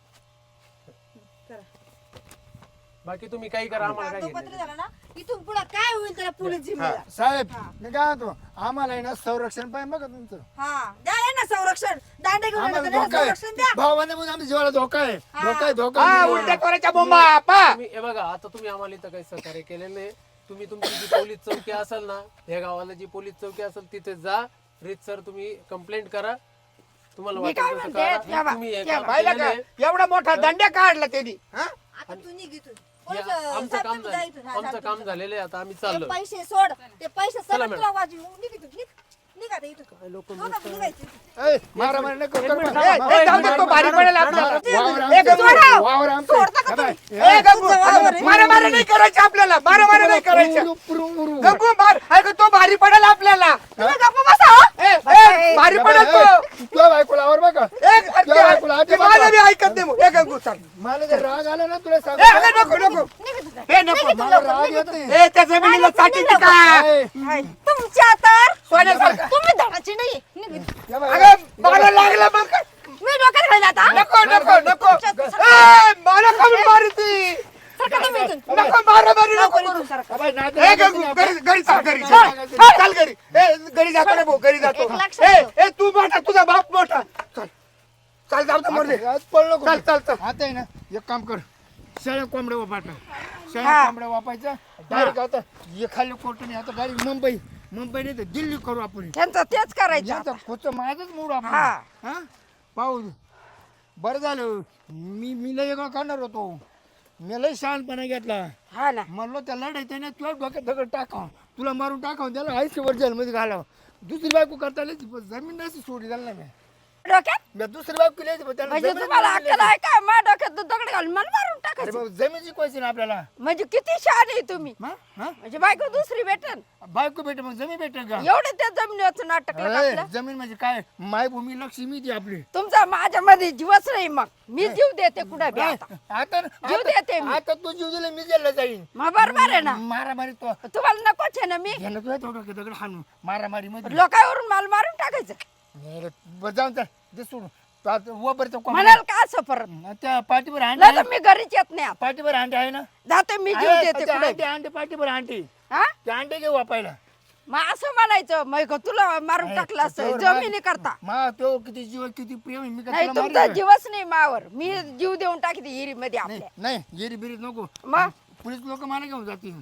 Speaker 3: बाकी तुम्ही काही करा आम्हाला काय
Speaker 5: कागदोपत्री
Speaker 3: घेणं
Speaker 5: झालं ना इथून पुढे काय होईल त्याला पोलीस जिम्मेदार
Speaker 1: साहेब मी काय म्हणतो आम्हाला आहे ना संरक्षण पाहिजे बघा तुमचं
Speaker 5: हा द्या ना संरक्षण दांडे घेऊन
Speaker 1: आम्हाला
Speaker 5: आले तर त्याला
Speaker 1: धोका
Speaker 5: संरक्षण द्या
Speaker 1: आहे भावाने म्हणून आमच्या जीवाला धोका आहे धोका आहे धोका
Speaker 6: हा
Speaker 1: आहे.
Speaker 6: उलट्या तोऱ्याच्या बोंबा पा
Speaker 3: तुम्ही हे बघा आता तुम्ही आम्हाला इथं काही सहकार्य केलेलं नाही. तुम्ही तुमची जी पोलीस चौकी असेल ना या गावाला जी पोलीस चौकी असेल तिथे जा रीतसर तुम्ही कंप्लेंट करा. तुम्हाला
Speaker 2: मी
Speaker 3: वाटेल
Speaker 2: काय
Speaker 3: तसं
Speaker 2: म्हणते,
Speaker 3: करा.
Speaker 2: तेव्हा-
Speaker 3: तुम्ही हे
Speaker 2: तेव्हा.
Speaker 3: काम
Speaker 6: पाहिलं
Speaker 3: केलेलं
Speaker 6: का
Speaker 3: आहे.
Speaker 6: एवढा मोठा दंड्या काढला त्यांनी हा
Speaker 5: आता तू निघ इथून
Speaker 3: या-
Speaker 5: पोलीस,
Speaker 3: आमचं
Speaker 5: साहेब,
Speaker 3: काम
Speaker 5: तुम्ही जा
Speaker 3: झालं
Speaker 5: इथून. हा,
Speaker 3: आमचं
Speaker 5: साहेब,
Speaker 3: काम
Speaker 5: तुम्ही जा.
Speaker 3: झालेलं आहे. आता आम्ही
Speaker 5: ते
Speaker 3: चाललो.
Speaker 5: पैसे सोड ते पैसे
Speaker 3: चला
Speaker 5: सगळं
Speaker 3: मॅडम.
Speaker 5: तुला वाजवी निघ इथून निघ निघ आता इथून
Speaker 3: काय लोक
Speaker 5: हो का, निघायचं इथून.
Speaker 1: ए, मारा मारी नको कर बा.
Speaker 6: ए, ए, जाऊ दे, तो भारी पडेल आपल्याला
Speaker 1: वावर
Speaker 6: ए,
Speaker 1: आमचं
Speaker 6: गंगू,
Speaker 1: आहे. वावर आमचं आहे.
Speaker 5: सोडता का
Speaker 1: हे बाय.
Speaker 6: ए, गंगू, मारा मारा नाही करायचं आपल्याला मारा मारा नाही करायचं
Speaker 1: पुरू, पुरू, पुरू.
Speaker 6: गंगू मार अगं तो भारी पडेल आपल्याला
Speaker 5: तुम्ही गप्प बसा हो.
Speaker 6: ए, ए, भारी
Speaker 1: हे
Speaker 6: पडेल
Speaker 1: बाय,
Speaker 6: तो
Speaker 1: ए, तुझ्या बायकोला आवर बघा
Speaker 6: ए, अरे
Speaker 1: तुझ्या बायकोला
Speaker 6: ते-
Speaker 1: आधी
Speaker 6: ते
Speaker 1: बघा.
Speaker 6: माझं बी ऐकत नाही मग. ए, गंगू चल
Speaker 1: मला जर राग आला ना तुला सांग
Speaker 6: ए, अगं, नको नको हे नको
Speaker 1: मला राग येत नाही
Speaker 6: ए त्या जमिनीला साठी का
Speaker 1: ए,
Speaker 5: हाय, तुमच्या तर
Speaker 6: सोन्यासारखं
Speaker 5: तुम्ही धडाची नाही निघ इथून.
Speaker 1: हे बाय.
Speaker 6: अगं मला लागलं मग
Speaker 5: मी डोक्यात घालून आता
Speaker 6: नको नको नको ए, मला कमी मारती
Speaker 5: सरका तुम्ही इथून.
Speaker 6: नको मारा मारी नको
Speaker 5: नको
Speaker 6: करू.
Speaker 5: इथून सरका.
Speaker 1: हे बाय, नाद
Speaker 6: ए
Speaker 1: लागत
Speaker 6: गंगू
Speaker 1: नाही
Speaker 6: घरी घरी चाल घरी
Speaker 1: चल,
Speaker 6: चल
Speaker 1: चल,
Speaker 6: चल, चल घरी ए घरी जातो रे भाऊ घरी जातो
Speaker 5: एक लक्षात
Speaker 6: ए
Speaker 5: ठेव.
Speaker 6: ए तू मोठा तुझा बाप मोठा चल चल जाऊ दे मोर दे
Speaker 1: आज पळलो
Speaker 6: चल चल चल
Speaker 1: आता आहे ना एक काम कर शेळ्या कोंबड्या वापायचं शेळ्या कोंबड्या वापायचं डायरेक्ट आता हे खाली कोर्टाने आता डायरेक्ट मुंबई मुंबई नाही तर दिल्ली करू आपण
Speaker 2: त्यांचं तेच करायचं
Speaker 1: याचा खोच माझच मूड आपण
Speaker 2: हा.
Speaker 1: हा पाहू बरं झालं मी मी लय वेगळं करणार होतो मी लय शहाणपणा घेतला
Speaker 2: हा ना
Speaker 1: म्हणलो त्या लढायचं ना तुला डोक्यात दगड टाकाव तुला मारून टाकाव त्याला आयुष्यभर जेलमध्ये घालावं दुसरी बायको करता आली ती, पण जमीन नसती सोडली त्याला नाही
Speaker 2: डोक्यात
Speaker 1: मी दुसरी बायको केली पण त्याला
Speaker 2: म्हणजे
Speaker 1: जमीन
Speaker 2: तुम्हाला
Speaker 1: नाही
Speaker 2: अक्कल आहे काय माझ्या डोक्यात दगड घालून मला मारून
Speaker 1: अरे
Speaker 2: टाकायचं
Speaker 1: बाबा जमीन शिकवायची ना आपल्याला
Speaker 2: म्हणजे किती शहाणे आहे तुम्ही
Speaker 1: हा? हा?
Speaker 2: म्हणजे बायको दुसरी भेटन
Speaker 1: बायको भेटे मग जमीन भेटेल का
Speaker 2: एवढे त्या जमिनीवरचं नाटक
Speaker 1: अरे,
Speaker 2: टाकलं
Speaker 1: जमीन म्हणजे काय मायभूमी लक्ष्मी ती आपली
Speaker 2: तुमचा माझ्यामध्ये जीवच नाही मग मी जीव देते कुठे बी आता
Speaker 1: आता
Speaker 2: जीव देते मी.
Speaker 1: आता तू जीव दिला मी जेलला जाईन
Speaker 2: मग बरोबर आहे ना
Speaker 1: मारा मारी तो
Speaker 2: तुम्हाला नकोच आहे ना मी
Speaker 1: घेणं तुला थोडं दगड हाणून मारा मारी मध्ये
Speaker 2: लोकांवरून मला मारून टाकायचं
Speaker 1: नाही रे, जाऊन तर ते सोडून तो आता वबरचं कोंबडं-
Speaker 2: म्हणाल का असं परत
Speaker 1: त्या पाठीवर अंडे
Speaker 2: नाही
Speaker 1: आहे
Speaker 2: तर मी घरीच येत नाही आता.
Speaker 1: पाठीवर अंडे आहे ना
Speaker 2: जाते मी जीव
Speaker 1: आहे,
Speaker 2: देते
Speaker 1: त्या
Speaker 2: कुठे
Speaker 1: अंडे अंडे पाठीवर अंडे
Speaker 2: हा
Speaker 1: ते अंडे घेऊ वापायला
Speaker 2: मग असं म्हणायचं मग तुला मारून टाकलं असं
Speaker 1: त्याच्यावर
Speaker 2: जमिनी
Speaker 1: मा-
Speaker 2: करता
Speaker 1: मा तो किती जीव किती प्रेम आहे, मी का
Speaker 2: नाही
Speaker 1: तुला
Speaker 2: तुमचा
Speaker 1: मारीन का?
Speaker 2: जीवच नाही मावर मी जीव देऊन टाकते हिरी मध्ये
Speaker 1: नाही
Speaker 2: आपल्या
Speaker 1: नाही येरी बिरीत नको
Speaker 2: मग
Speaker 1: पोलीस लोक मला घेऊन जातील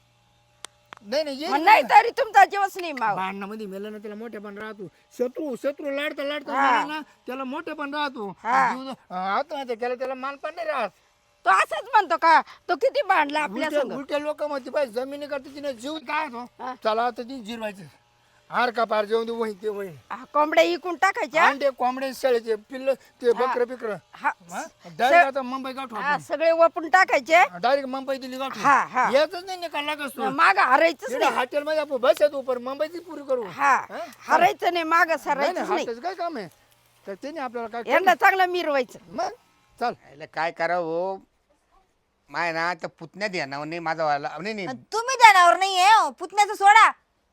Speaker 1: नाही नाही
Speaker 2: मग
Speaker 1: येरी
Speaker 2: नाही तरी तुमचा जीवच नाही मावर
Speaker 1: भांडणामध्ये मेलं ना त्याला मोठेपण राहतो शत्रू शत्रू लाडता लाडता
Speaker 2: हा.
Speaker 1: मेला ना त्याला मोठेपण राहतो
Speaker 2: हा.
Speaker 1: जीव आता माहिती त्याला त्याला मानपण नाही राहत
Speaker 2: तो असंच म्हणतो का तो किती भांडला आपल्या
Speaker 1: उलट्या
Speaker 2: संग
Speaker 1: उलट्या लोक म्हणते पाहिजे जमिनी करता तिने जीव काय होतो चला आता ती जिरवायचं हार का पार जेवण दे वही ते वही
Speaker 2: हा, कोंबड्या इकून टाकायच्या
Speaker 1: अंडे कोंबडे शेळीचे पिल्ल ते बकर बिकर
Speaker 2: हा
Speaker 1: डायरेक्ट आता मुंबई गाठ
Speaker 2: हा, सगळे वपून टाकायचे
Speaker 1: डायरेक्ट मुंबई दिली गाठ
Speaker 2: हा हा
Speaker 1: याच नाही निकाल लागत
Speaker 2: माग हरायचंच नाही
Speaker 1: हॉटेल मध्ये आपण बस येतो पर मुंबईची पुरी करू
Speaker 2: हा हरायचं नाही माग
Speaker 1: नाही
Speaker 2: सरायचंच नाही
Speaker 1: हॉटेल काय काम आहे तर त्याने आपल्याला काय
Speaker 2: यांना चांगलं मिरवायचं
Speaker 1: मग चल
Speaker 6: याला काय करावं माय ना त्या पुतण्या द्या ना नाही माझा वाला नाही नाही
Speaker 5: आणि तुम्ही ध्यानावर नाहीये हो, पुतण्याचं सोडा.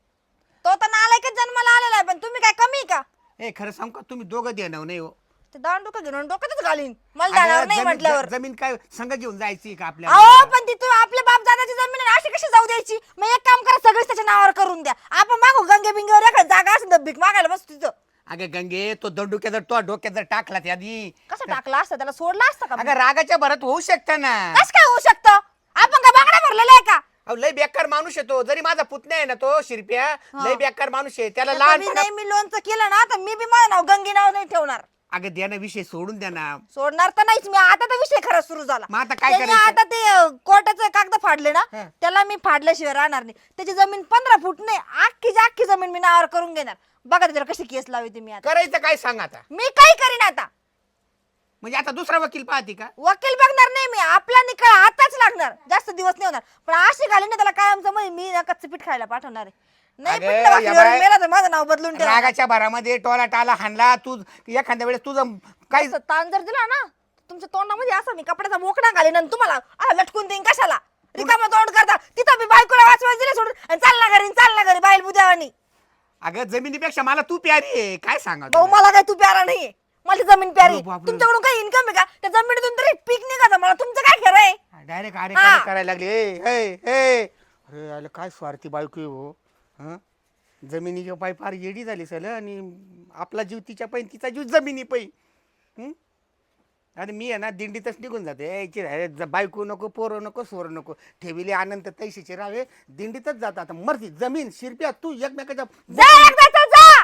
Speaker 5: तो तर नालायकच जन्माला आलेला आहे, पण तुम्ही काय कमी आहे का?
Speaker 6: ए खरं सांग का तुम्ही दोघं द्या ना नाही हो
Speaker 5: ते दांड डोकं घेऊन डोक्यातच घालीन मला ध्यानावर
Speaker 6: अगं,
Speaker 5: नाही
Speaker 6: जमीन-
Speaker 5: म्हटल्यावर.
Speaker 6: ज- जमीन काय संघ घेऊन जायची का
Speaker 5: अहो
Speaker 6: आपल्याला
Speaker 5: पण ती तू आपल्या बाप दादाची जमीन आहे, अशी कशी जाऊ द्यायची? मग एक काम करा, सगळीच त्याच्या नावावर करून द्या. आपण मागू गंगे बिंगेवर एखादी जागा असेल तर भीक मागायला बस तिथं.
Speaker 6: अगं गंगे तो दंडुक्या जर तो डोक्यात जर टाकला त्या आधी
Speaker 5: कसं टाकलं असतं त्याला, सोडलं असतं का?
Speaker 6: अगं रागाच्या भरात होऊ शकतं ना
Speaker 5: कसं काय होऊ शकतं? आपण का बागडा भरलेला आहे का?
Speaker 6: अहो, लय बेकार माणूस आहे तो. जरी माझा पुतण्या आहे ना तो शिरप्या लय बेकार माणूस आहे त्याला
Speaker 5: त्याचं
Speaker 6: लहान
Speaker 5: मी नाही मी लोणचं केलं ना तर मी बी माझं नाव गंगी नाव नाही ठेवणार.
Speaker 6: अगं द्या ना विषय सोडून द्या ना
Speaker 5: सोडणार तर नाहीच मी. आता तर विषय खरा सुरू झाला.
Speaker 6: मग आता काय
Speaker 5: त्यांनी
Speaker 6: करायचं?
Speaker 5: आता ते अं, कोर्टाचे कागद फाडले ना,
Speaker 6: हं.
Speaker 5: त्याला मी फाडल्याशिवाय राहणार नाही. त्याची जमीन पंधरा फूट नाही, अख्खीची अख्खी जमीन मी नावावर करून घेणार. बघा त्याच्यावर कशी केस लावते मी आता.
Speaker 6: करायचं काय सांग आता
Speaker 5: मी काही करीन आता.
Speaker 6: म्हणजे आता दुसरा वकील पाहते का
Speaker 5: वकील बघणार नाही मी, आपला निकाल आताच लागणार, जास्त दिवस नाही होणार. पण अशी घाली ना त्याला कायमचं म्हणजे मी ना कच्चं पीठ खायला पाठवणार आहे. नाही
Speaker 6: अगं,
Speaker 5: पिठलं भाकरीवर
Speaker 6: या बाय-
Speaker 5: मेला तर माझं नाव बदलून ठेवा.
Speaker 6: रागाच्या भरामध्ये टोला टाला हाणला तू एखाद्या वेळेस तुझं काही
Speaker 5: असं ताण जर दिला ना तुमच्या तोंडामध्ये असं मी कपड्याचा मोकळा घालीन आणि तुम्हाला असा लटकून देईन. कशाला रिकामा तोंड करता? तिथं मी बायकोला वाचवायला दिले सोडून आणि चालला घरी चालला घरी बाईल बुद्यावानी.
Speaker 6: अगं जमिनीपेक्षा मला तू प्यारी आहे काय सांगा
Speaker 5: भाऊ मला काय तू प्यारा नाहीये, मला ती जमीन प्यारी.
Speaker 6: अरे बापरे.
Speaker 5: तुमच्याकडून काही इन्कम आहे का? त्या जमिनीतून तरी पीक निघायचं, मला तुमचं काय खरं आहे?
Speaker 6: डायरेक्ट अरे
Speaker 5: हा.
Speaker 6: काय करायला लागले ए, ए, ए. अरे आलं काय स्वार्थी बायको आहे हो हं? जमिनीच्या पायी फार येडी झाली सल आणि आपला जीव तिच्या पायी तिचा जीव जमिनी पायी हं? आणि मी आहे ना दिंडीतच निघून जाते यायची रे, ज- बायको नको पोरं नको सोर नको ठेविले आनंद तैशीचे राहावे दिंडीतच जातात आता मर्जी जमीन शिरप्या तू एकमेकाच्या
Speaker 5: जा एकदाचा जा.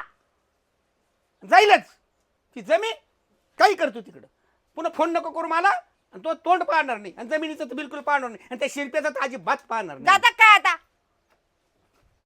Speaker 6: जाईलच ती जमीन काही करतो तिकडं पुन्हा फोन नको करू मला आणि तो तोंड पाहणार नाही आणि जमिनीचं तर बिलकुल पाहणार नाही आणि त्या शिरप्याचं तर अजिबात पाहणार नाही
Speaker 5: जाता काय